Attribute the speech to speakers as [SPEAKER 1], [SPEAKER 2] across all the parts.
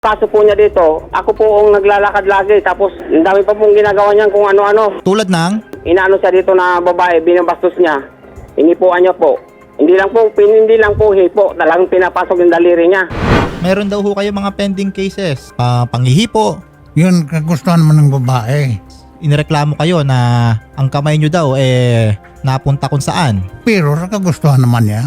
[SPEAKER 1] Kaso po niya dito, ako po ang naglalakad lagi. Tapos, ang dami pa pong ginagawa niyan kung ano-ano.
[SPEAKER 2] Tulad ng?
[SPEAKER 1] Inaano siya dito na babae, binabastos niya. Inipuan niya po. Hindi lang po hipo. Talagang pinapasok yung daliri niya.
[SPEAKER 2] Meron daw ho kayo mga pending cases. Panghihipo.
[SPEAKER 3] Yun, kagustuhan naman ng babae.
[SPEAKER 2] Inireklamo kayo na ang kamay nyo daw napunta kung saan.
[SPEAKER 3] Pero kagustuhan naman niya.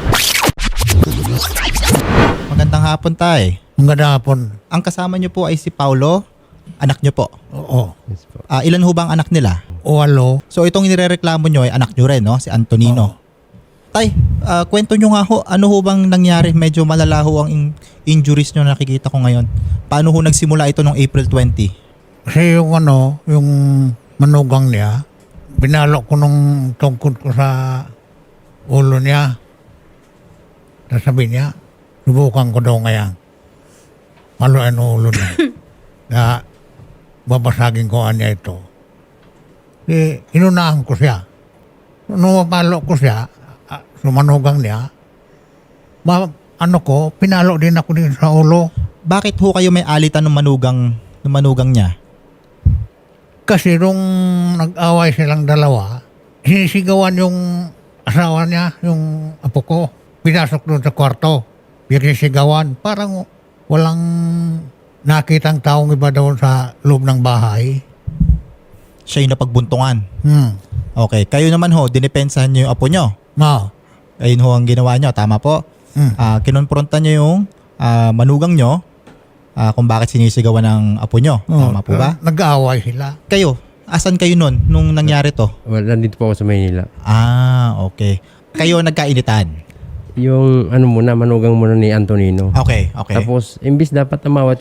[SPEAKER 2] Magandang hapon, tay.
[SPEAKER 3] Maganda hapon.
[SPEAKER 2] Ang kasama nyo po ay si Paulo, anak nyo po.
[SPEAKER 3] Oo.
[SPEAKER 2] Ilan ho ba ang anak nila?
[SPEAKER 3] Walo.
[SPEAKER 2] So itong inirereklamo nyo ay anak nyo rin, no? Si Antonino. Tay, kwento nyo nga ho, ano ho bang nangyari? Medyo malala ho ang injuries nyo na nakikita ko ngayon. Paano ho nagsimula ito noong April 20?
[SPEAKER 3] Kasi yung manugang niya, binalok ko nung tungkod ko sa ulo niya. Tapos sabi niya, subukan ko daw ngayon. Maluan ang ulo niya. Na babasagin ko niya ito. Inunahan ko siya. Nung mapalo ko siya, sumanugang niya, pinalo din ako din sa ulo.
[SPEAKER 2] Bakit ho kayo may alitan ng manugang niya?
[SPEAKER 3] Kasi nung nag-away silang dalawa, sinisigawan yung asawa niya, yung apo ko. Pinasok doon sa kwarto. Pinisigawan. Parang walang nakitang taong iba doon sa loob ng bahay.
[SPEAKER 2] Siya yung napagbuntungan. Okay. Kayo naman ho, dinipensahan nyo yung apo nyo. Ayun ho ang ginawa nyo. Tama po. Kinonfronta nyo yung manugang nyo kung bakit sinisigawan ng apo nyo. Tama po ba?
[SPEAKER 3] Nag-aaway sila.
[SPEAKER 2] Kayo, asan kayo nun nung nangyari to?
[SPEAKER 4] Well, nandito po ako sa Maynila.
[SPEAKER 2] Okay. Kayo nagkainitan.
[SPEAKER 4] Yung manugang muna ni Antonino.
[SPEAKER 2] Okay.
[SPEAKER 4] Tapos, imbis dapat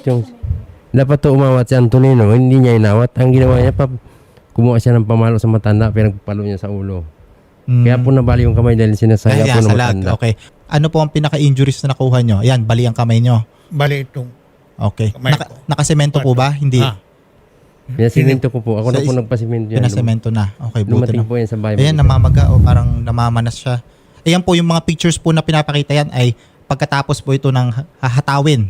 [SPEAKER 4] umawat si Antonino, hindi niya inawat. Ang ginawa niya, kumuha siya ng pamalo sa matanda, pinagpalo niya sa ulo. Kaya po nabali yung kamay dahil sinasaya po ng matanda.
[SPEAKER 2] Okay. Ano po ang pinaka-injuries na nakuha nyo? Ayan, bali ang kamay nyo.
[SPEAKER 3] Bali itong
[SPEAKER 2] Okay.
[SPEAKER 3] kamay ko.
[SPEAKER 2] Nakasemento po ba? Hindi.
[SPEAKER 4] Pinasimento ko po. Ako na po nagpasimento yan.
[SPEAKER 2] Pinasemento na. Okay, buti
[SPEAKER 4] Lumating
[SPEAKER 2] na.
[SPEAKER 4] po yan sa bahay.
[SPEAKER 2] Ayan, namamaga o parang namamanas siya. Ayan po, yung mga pictures po na pinapakita yan ay pagkatapos po ito ng hahatawin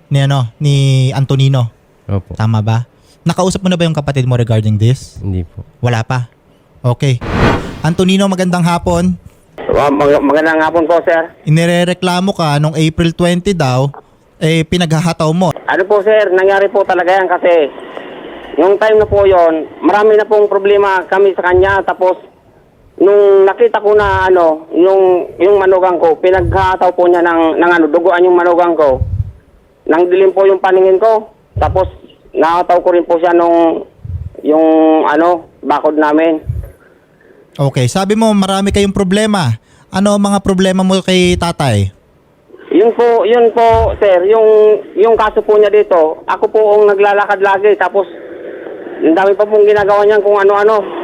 [SPEAKER 2] ni Antonino.
[SPEAKER 4] Opo.
[SPEAKER 2] Tama ba? Nakausap mo na ba yung kapatid mo regarding this?
[SPEAKER 4] Hindi po.
[SPEAKER 2] Wala pa? Okay. Antonino, magandang hapon.
[SPEAKER 1] Magandang hapon po, sir.
[SPEAKER 2] Inirereklamo ka nung April 20 daw, pinaghahataw mo.
[SPEAKER 1] Ano po, sir, nangyari po talaga yan kasi yung time na po yon, marami na pong problema kami sa kanya. Tapos, nung nakita ko na yung manugang ko, pinaghataw po niya ng duguan yung manugang ko. Nang dilim po yung paningin ko. Tapos, nakataw ko rin po siya yung bakod namin.
[SPEAKER 2] Okay, sabi mo marami kayong problema. Ano ang mga problema mo kay tatay?
[SPEAKER 1] Yun po, sir, yung kaso po niya dito, ako po ang naglalakad lagi. Tapos, ang dami pa pong ginagawa niyan kung ano-ano.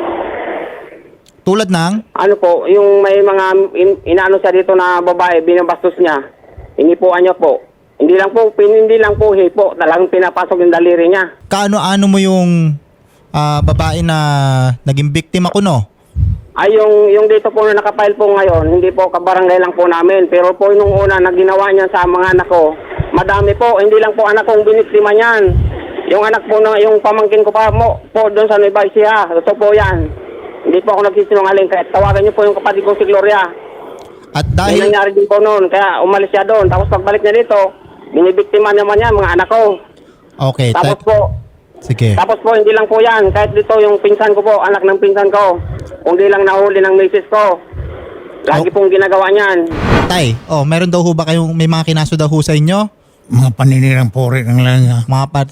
[SPEAKER 2] Tulad ng?
[SPEAKER 1] Yung may mga inaano siya dito na babae, binabastos niya. Inipuan niya po. Hindi lang po hipo. Talagang pinapasok yung daliri niya.
[SPEAKER 2] Kaano-ano mo yung babae na naging biktima ko, no?
[SPEAKER 1] Ay, yung dito po na nakapile po ngayon, hindi po kabarangay lang po namin. Pero po nung una na ginawa niya sa mga anak ko, madami po. Hindi lang po anak kong biniktima niyan. Yung anak po yung pamangkin ko po doon sa Nueva Ecija. Ito po yan. Hindi po ako nagsisinungaling. Kaya tawagan niyo po yung kapatid ko si Gloria.
[SPEAKER 2] At dahil...
[SPEAKER 1] Yung nangyari din po noon. Kaya umalis siya doon. Tapos pagbalik niya dito, binibiktima naman niya mga anak ko.
[SPEAKER 2] Okay.
[SPEAKER 1] Tapos po,
[SPEAKER 2] sige.
[SPEAKER 1] Tapos po, hindi lang po yan. Kahit dito yung pinsan ko po, anak ng pinsan ko. Kung di lang nahuli ng misis ko. Lagi pong ginagawa niyan.
[SPEAKER 2] Tay, meron daw ho ba kayong may mga kinaso daw ho sa inyo?
[SPEAKER 3] Mga paninirang pori ng lang.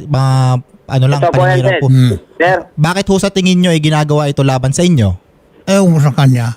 [SPEAKER 2] Ito po yan,
[SPEAKER 1] sir.
[SPEAKER 2] po.
[SPEAKER 1] Sir,
[SPEAKER 2] Bakit ho sa tingin nyo ginagawa ito laban sa inyo?
[SPEAKER 3] Ewan ko sa kanya.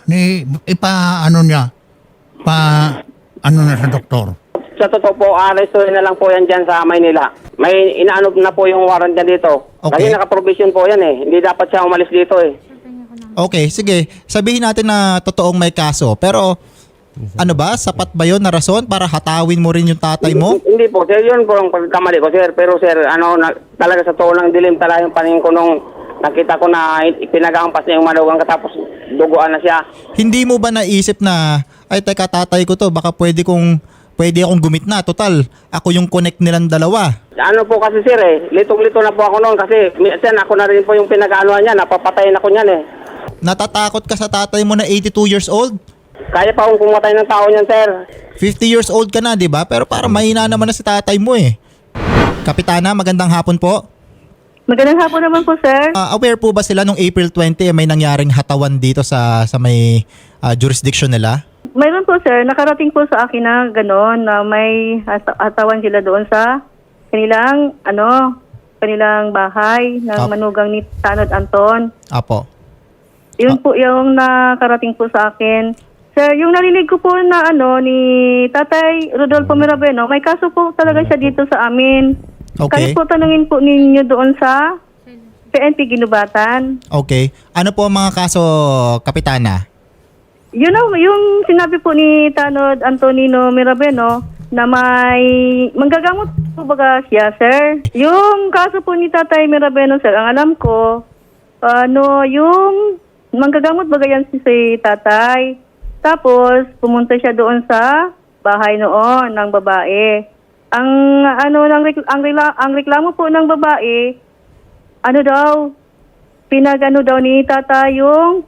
[SPEAKER 3] Na sa doktor.
[SPEAKER 1] sa totoo po, arrestuin na lang po yan dyan sa Maynila. May inaano na po yung warrant niya dito.
[SPEAKER 2] Okay.
[SPEAKER 1] Kasi nakaprovision po yan eh. Hindi dapat siya umalis dito eh.
[SPEAKER 2] Okay, sige. Sabihin natin na totoong may kaso. Pero ano ba? Sapat ba yun na rason para hatawin mo rin yung tatay mo?
[SPEAKER 1] Hindi po, sir. Yun po ang pagkamali ko, sir. Pero sir, talaga sa totoo lang dilim talaga yung paningin ko nung nakita ko na pinag-aampas niya yung malugang katapos duguan na siya.
[SPEAKER 2] Hindi mo ba naisip na, ay teka tatay ko to, baka pwede kong pwede akong gumit na. Total, ako yung connect nilang dalawa.
[SPEAKER 1] Ano po kasi sir litong-lito na po ako noon kasi minsan ako na rin po yung pinag-aanoan niya, napapatayin ako niyan
[SPEAKER 2] Natatakot ka sa tatay mo na 82 years old?
[SPEAKER 1] Kaya pa akong pumatay ng tao niyan sir.
[SPEAKER 2] 50 years old ka na, di ba? Pero parang mahina naman na si tatay mo eh. Kapitana, magandang hapon po.
[SPEAKER 5] Magandang hapon naman po, sir.
[SPEAKER 2] Aware po ba sila nung April 20 may nangyaring hatawan dito sa may jurisdiction nila?
[SPEAKER 5] Mayroon po, sir. Nakarating po sa akin na gano'n na may atawan sila doon sa kanilang bahay ng manugang ni Tanod Anton.
[SPEAKER 2] Apo.
[SPEAKER 5] Yun po yung nakarating po sa akin. Sir, yung narinig ko po na ni Tatay Rodolfo Mirabeno, may kaso po talaga siya dito sa amin.
[SPEAKER 2] Okay.
[SPEAKER 5] Kahit po tanungin po ninyo doon sa PNP Ginubatan.
[SPEAKER 2] Okay. Ano po ang mga kaso, Kapitana?
[SPEAKER 5] Yung sinabi po ni Tanod Antonino Mirabeno na may manggagamot po baga siya, sir. Yung kaso po ni Tatay Mirabeno, sir, ang alam ko, yung manggagamot baga yan si Tatay. Tapos, pumunta siya doon sa bahay noon ng babae. Ang reklamo po ng babae, pinag daw ni Tata yung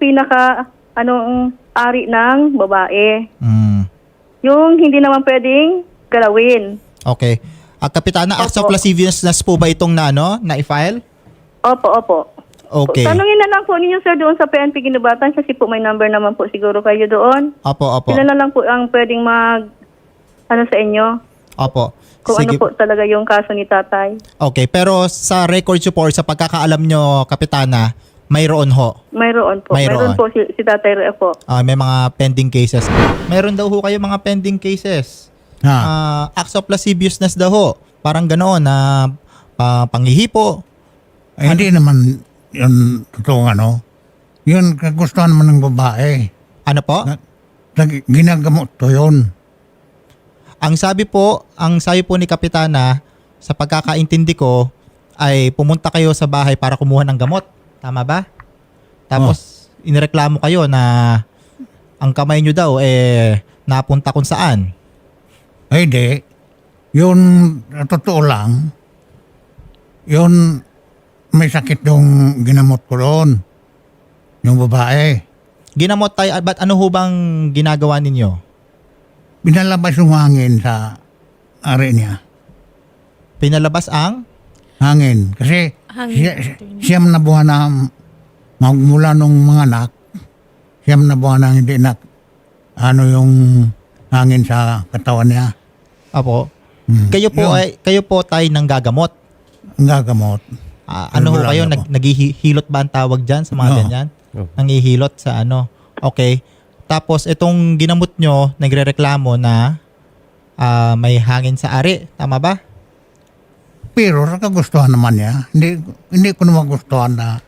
[SPEAKER 5] ari ng babae. Yung hindi naman pwedeng galawin.
[SPEAKER 2] Okay. Kapitana, acts of lasciviousness po ba itong na-file?
[SPEAKER 5] Opo.
[SPEAKER 2] Okay.
[SPEAKER 5] Tanungin na lang po ninyo, sir, doon sa PNP Ginubatan kasi po may number naman po siguro kayo doon.
[SPEAKER 2] Opo.
[SPEAKER 5] Sila na lang po ang pwedeng sa inyo.
[SPEAKER 2] Opo.
[SPEAKER 5] Kung ano po talaga yung kaso ni Tatay.
[SPEAKER 2] Okay, pero sa records report, sa pagkakaalam nyo, Kapitana, mayroon ho?
[SPEAKER 5] Mayroon po.
[SPEAKER 2] Mayroon
[SPEAKER 5] Mayroon po si Tatay Reo po.
[SPEAKER 2] May mga pending cases. Mayroon daw ho kayo mga pending cases. Acts of lasciviousness daw ho. Parang ganoon na panghihipo.
[SPEAKER 3] Hindi naman yun totoo Yun kagustuhan naman ng babae.
[SPEAKER 2] Ano po?
[SPEAKER 3] Ginagamot to yun.
[SPEAKER 2] Ang sabi po ni Kapitana, sa pagkakaintindi ko, ay pumunta kayo sa bahay para kumuha ng gamot. Tama ba? Tapos, inireklamo kayo na ang kamay nyo daw, napunta kung saan.
[SPEAKER 3] Ay, di. Yun, totoo lang, yun, may sakit yung ginamot ko doon. Yung babae.
[SPEAKER 2] Ginamot tayo, ba't ano ho bang ginagawa ninyo?
[SPEAKER 3] Pinalabas yung hangin sa ari niya.
[SPEAKER 2] Pinalabas ang?
[SPEAKER 3] Hangin. Kasi siyam na buwan na magmula nung mga anak, siyam na buwan na hindi yung hangin sa katawan niya.
[SPEAKER 2] Apo. Kayo po tayo nang gagamot.
[SPEAKER 3] Ang gagamot.
[SPEAKER 2] Ano ho kayo? Naghihilot ba ang tawag dyan sa mga ganyan? Nangihilot sa Okay. Tapos itong ginamot nyo, nagrereklamo na may hangin sa ari. Tama ba?
[SPEAKER 3] Pero kagustuhan naman niya. Hindi ko naman gustuhan na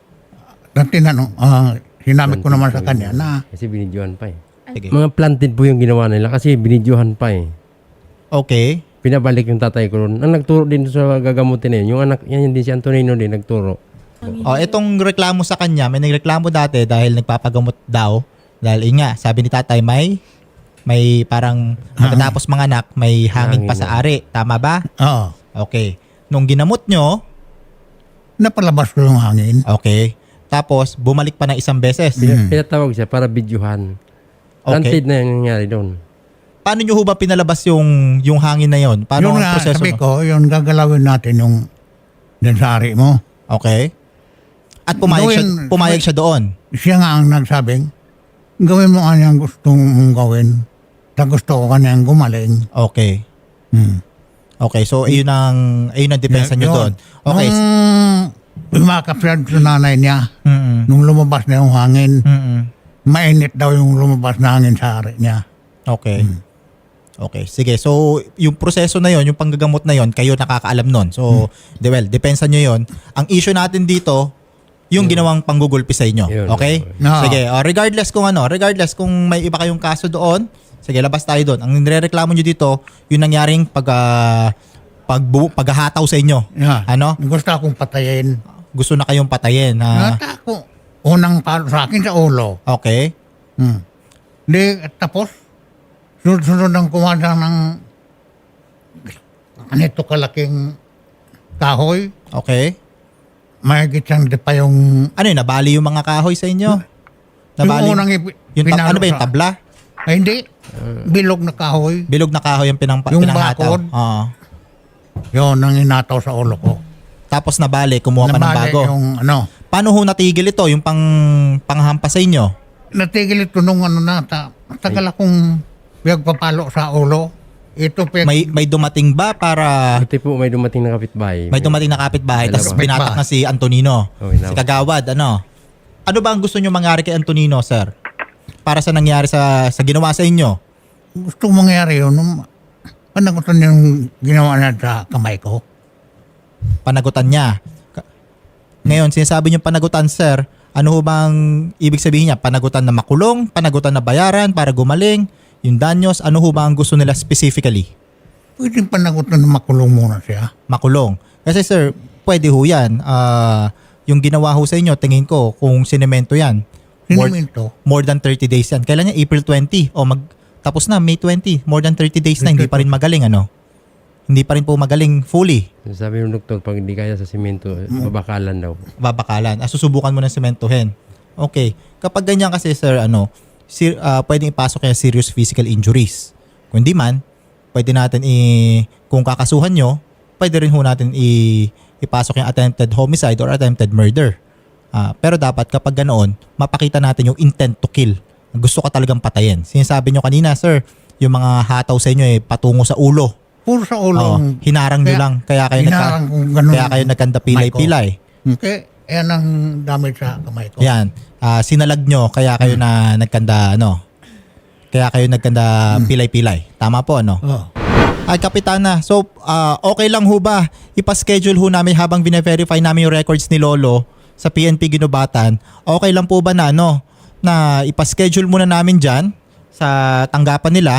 [SPEAKER 3] sinabi ko naman sa kanya na
[SPEAKER 4] Kasi binidyohan pa
[SPEAKER 2] Sige.
[SPEAKER 4] Mga planted po yung ginawa nila kasi binidyohan pa
[SPEAKER 2] Okay.
[SPEAKER 4] Pinabalik yung tatay ko ron. Ang nagturo din sa gagamutin yung anak, yan din si Antonino din nagturo.
[SPEAKER 2] Itong reklamo sa kanya, may nagreklamo dati dahil nagpapagamot daw. Dahil nga, sabi ni tatay, may parang pagkatapos mga anak, may hangin pa sa ari. Tama ba?
[SPEAKER 3] Oo.
[SPEAKER 2] Okay. Nung ginamot nyo,
[SPEAKER 3] Napalabas ko yung hangin.
[SPEAKER 2] okay. Tapos, bumalik pa ng isang beses.
[SPEAKER 4] Pinatawag siya para bidyuhan. Planted na yung nangyari doon.
[SPEAKER 2] Paano nyo ho ba pinalabas yung hangin na yon? Paano
[SPEAKER 3] Yung
[SPEAKER 2] ang proseso?
[SPEAKER 3] sabi ko, yung gagalawin natin yung din sa ari mo.
[SPEAKER 2] Okay. At pumayag siya doon.
[SPEAKER 3] Siya nga ang nagsabing, gawin mo kanyang gusto mong gawin. Gusto ko kanyang gumaling.
[SPEAKER 2] Okay. Okay, so ayun ang depensa nyo
[SPEAKER 3] Yun.
[SPEAKER 2] doon. Okay.
[SPEAKER 3] Umakap siya sa nanay niya.
[SPEAKER 2] Mm-mm.
[SPEAKER 3] Nung lumabas na yung hangin,
[SPEAKER 2] Mm-mm.
[SPEAKER 3] mainit daw yung lumabas na hangin sa ari niya.
[SPEAKER 2] Okay. Okay, sige. So, yung proseso na yon, yung panggagamot na yon, kayo nakakaalam nun. So, depensa nyo yon. Ang issue natin dito, yung ginawang panggugulpi sa inyo.
[SPEAKER 4] Yun.
[SPEAKER 2] Okay?
[SPEAKER 3] No.
[SPEAKER 2] Sige. Regardless kung may iba kayong kaso doon, sige, labas tayo doon. Ang nirereklamo nyo dito, yung nangyaring paghahataw sa inyo.
[SPEAKER 3] Yeah.
[SPEAKER 2] Ano?
[SPEAKER 3] Gusto akong patayin.
[SPEAKER 2] Gusto na kayong patayin.
[SPEAKER 3] Nata ako. Unang palo sa akin sa ulo.
[SPEAKER 2] Okay.
[SPEAKER 3] Di, tapos, sunod ang kumada ng ganito kalaking kahoy.
[SPEAKER 2] Okay.
[SPEAKER 3] Mahigit siyang di pa yung...
[SPEAKER 2] Ano yun, nabali yung mga kahoy sa inyo?
[SPEAKER 3] Yung unang
[SPEAKER 2] ano ba yung tabla?
[SPEAKER 3] Ay, hindi. Bilog na kahoy.
[SPEAKER 2] Bilog na kahoy yung
[SPEAKER 3] Yung
[SPEAKER 2] pinanghataw.
[SPEAKER 3] bakod.
[SPEAKER 2] Oo.
[SPEAKER 3] Yun, ang inataw sa ulo ko.
[SPEAKER 2] Tapos nabali, kumuha pa ng
[SPEAKER 3] Nabali
[SPEAKER 2] bago.
[SPEAKER 3] yung ano.
[SPEAKER 2] Paano ho natigil ito, yung panghampas sa inyo?
[SPEAKER 3] Natigil ito nung ano na, tagal akong pagpapalo sa ulo. Ito
[SPEAKER 2] May dumating ba para...
[SPEAKER 4] Buti po may dumating na kapitbahay.
[SPEAKER 2] May dumating na kapitbahay, tapos
[SPEAKER 4] Dalawa.
[SPEAKER 2] binatak na si Antonino.
[SPEAKER 4] Oh, inawa.
[SPEAKER 2] Si Kagawad, ano? Ano ba ang gusto nyo mangyari kay Antonino, sir? Para sa nangyari sa ginawa sa inyo?
[SPEAKER 3] gusto mangyari yun. Panagutan yung ginawa na sa kamay ko.
[SPEAKER 2] Panagutan niya. Ngayon, sinasabi niyo panagutan, sir. Ano ho bang ibig sabihin niya? Panagutan na makulong? Panagutan na bayaran para gumaling? Yung danyos? Ano ho ba ang gusto nila specifically?
[SPEAKER 3] Pwede panagutan na makulong muna siya.
[SPEAKER 2] Makulong. Kasi sir, pwede ho yan. Yung ginawa ho sa inyo, tingin ko, kung sinemento yan,
[SPEAKER 3] Sinimento.
[SPEAKER 2] more than 30 days yan. Kailan niya? April 20. O tapos na, May 20. More than 30 days na, hindi pa rin magaling, ano? Hindi pa rin po magaling fully.
[SPEAKER 4] Sabi ng doktor, pag hindi kaya sa simento, babakalan daw.
[SPEAKER 2] Babakalan. Susubukan mo ng sementohin. Okay. Kapag ganyan kasi, sir, pwedeng ipasok kaya serious physical injuries. Kung di man, pwede natin kung kakasuhan nyo, pwede rin ho natin ipasok yung attempted homicide or attempted murder. Pero dapat kapag ganoon, mapakita natin yung intent to kill. Gusto ka talagang patayin. Sinasabi nyo kanina, sir, yung mga hataw sa inyo patungo sa ulo.
[SPEAKER 3] Puro sa ulo.
[SPEAKER 2] Oo, hinarang nyo lang. Kaya kayo nagkanda pilay-pilay.
[SPEAKER 3] Okay. Yan ang damage sa kamay ko.
[SPEAKER 2] Yan. Sinalag nyo, kaya kayo na nagkanda, kaya kayo nagkanda pilay-pilay. Tama po, ano?
[SPEAKER 3] Oh.
[SPEAKER 2] Ay, Kapitana. So, okay lang ho ba? Ipa-schedule ho namin habang bine-verify namin yung records ni Lolo sa PNP Ginubatan. Okay lang po ba na, na ipa-schedule muna namin dyan sa tanggapan nila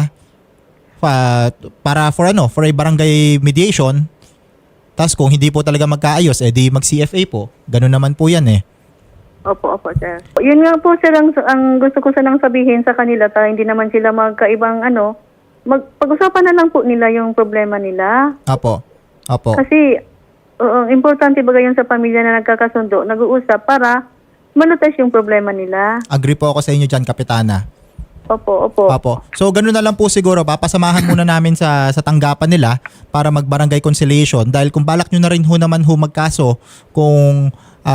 [SPEAKER 2] para for a barangay mediation. Tapos kung hindi po talaga magkaayos, di mag-CFA po. Ganun naman po yan eh.
[SPEAKER 5] Opo, sir. Yun nga po, sir, ang gusto ko sanang sabihin sa kanila, hindi naman sila magkaibang pag-usapan na lang po nila yung problema nila.
[SPEAKER 2] Opo.
[SPEAKER 5] Kasi, importante ba yun sa pamilya na nagkakasundo, nag-uusap para malutas yung problema nila.
[SPEAKER 2] Agree po ako sa inyo dyan, Kapitana.
[SPEAKER 5] Opo.
[SPEAKER 2] So, ganun na lang po siguro. Papasamahan muna namin sa tanggapan nila para mag-barangay conciliation. Dahil kung balak nyo na rin naman magkaso, kung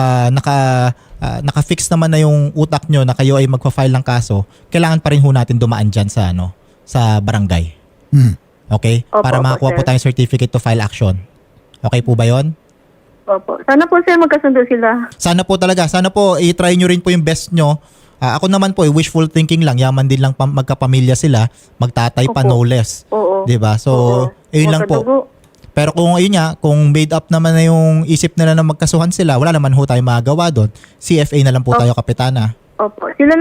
[SPEAKER 2] naka-fix naman na yung utak nyo na kayo ay magpa-file ng kaso, kailangan pa rin natin dumaan dyan sa barangay. Okay?
[SPEAKER 5] Opo,
[SPEAKER 2] Para makakuha po
[SPEAKER 5] sir.
[SPEAKER 2] tayong certificate to file action. Okay po ba yon?
[SPEAKER 5] Opo. Sana po, sir, magkasundo sila.
[SPEAKER 2] Sana po talaga. Sana po i-try nyo rin po yung best nyo. Ako naman po, wishful thinking lang. Yaman din lang magkapamilya sila. Magtatay pa,
[SPEAKER 5] Opo.
[SPEAKER 2] no less.
[SPEAKER 5] Oo.
[SPEAKER 2] Diba? So, ayun lang po.
[SPEAKER 5] Magkadugo.
[SPEAKER 2] Pero kung ayun nga, kung made up naman na yung isip nila na magkasuhan sila, wala naman ho tayo magagawa doon. CFA na lang po tayo, Kapitana.
[SPEAKER 5] Opo. Sila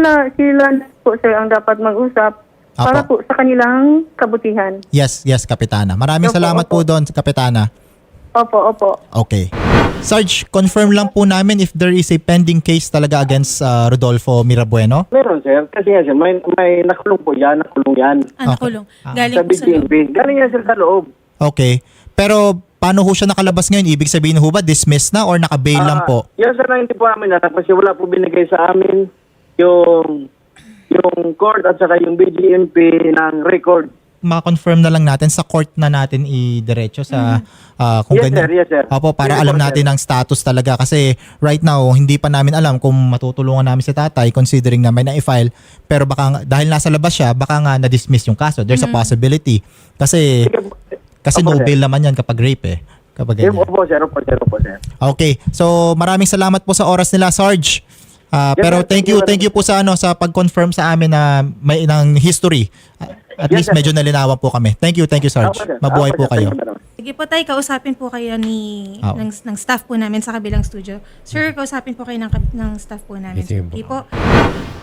[SPEAKER 5] po, sir, ang dapat mag-usap para
[SPEAKER 2] Opo.
[SPEAKER 5] po sa kanilang kabutihan.
[SPEAKER 2] Yes, Kapitana. Maraming
[SPEAKER 5] Opo,
[SPEAKER 2] salamat po
[SPEAKER 5] opo.
[SPEAKER 2] doon, Kapitana.
[SPEAKER 5] Opo.
[SPEAKER 2] Okay. Sarge, confirm lang po namin if there is a pending case talaga against Rodolfo Mirabueno.
[SPEAKER 1] Meron, sir. Kasi nga, sir, may nakulong po yan. Nakulong yan.
[SPEAKER 6] Nakulong. Galing
[SPEAKER 1] Sa
[SPEAKER 6] po sa loob.
[SPEAKER 1] BGNP. Galing yan, sir, sa loob.
[SPEAKER 2] Okay. Pero paano ho siya nakalabas ngayon? Ibig sabihin ho ba dismissed na or naka-bail lang po?
[SPEAKER 1] Yan, sir, na hindi po amin na. Kasi wala po binigay sa amin yung court at saka yung BGNP ng record.
[SPEAKER 2] Ma-confirm na lang natin sa court na natin i-diretso sa kung
[SPEAKER 1] Yes,
[SPEAKER 2] ganyan.
[SPEAKER 1] sir. Yes, sir.
[SPEAKER 2] Opo, para
[SPEAKER 1] Yes,
[SPEAKER 2] alam
[SPEAKER 1] sir.
[SPEAKER 2] natin ang status talaga kasi right now hindi pa namin alam kung matutulungan namin si tatay considering na may na-file pero baka dahil nasa labas siya baka nga na-dismiss yung kaso. There's a possibility kasi
[SPEAKER 1] Opo,
[SPEAKER 2] no
[SPEAKER 1] sir.
[SPEAKER 2] bail naman yan kapag rape eh. Kapag ganyan.
[SPEAKER 1] Opo, sir. Opo, sir.
[SPEAKER 2] Okay. So maraming salamat po sa oras nila, Sarge. Pero
[SPEAKER 1] sir.
[SPEAKER 2] thank you po sa sa pag-confirm sa amin na may ng history. At
[SPEAKER 1] Yes,
[SPEAKER 2] least
[SPEAKER 1] sir.
[SPEAKER 2] medyo nalinawan po kami. Thank you, Sarge.
[SPEAKER 1] Opo, sir.
[SPEAKER 2] Mabuhay
[SPEAKER 1] Opo,
[SPEAKER 2] po
[SPEAKER 1] sir.
[SPEAKER 2] kayo.
[SPEAKER 1] Thank you, madam.
[SPEAKER 6] Sige po tayo, kausapin po kayo ng staff po namin sa kabilang studio. Sir, kausapin po kayo ng staff po namin.
[SPEAKER 4] Sige po.
[SPEAKER 6] Sige po.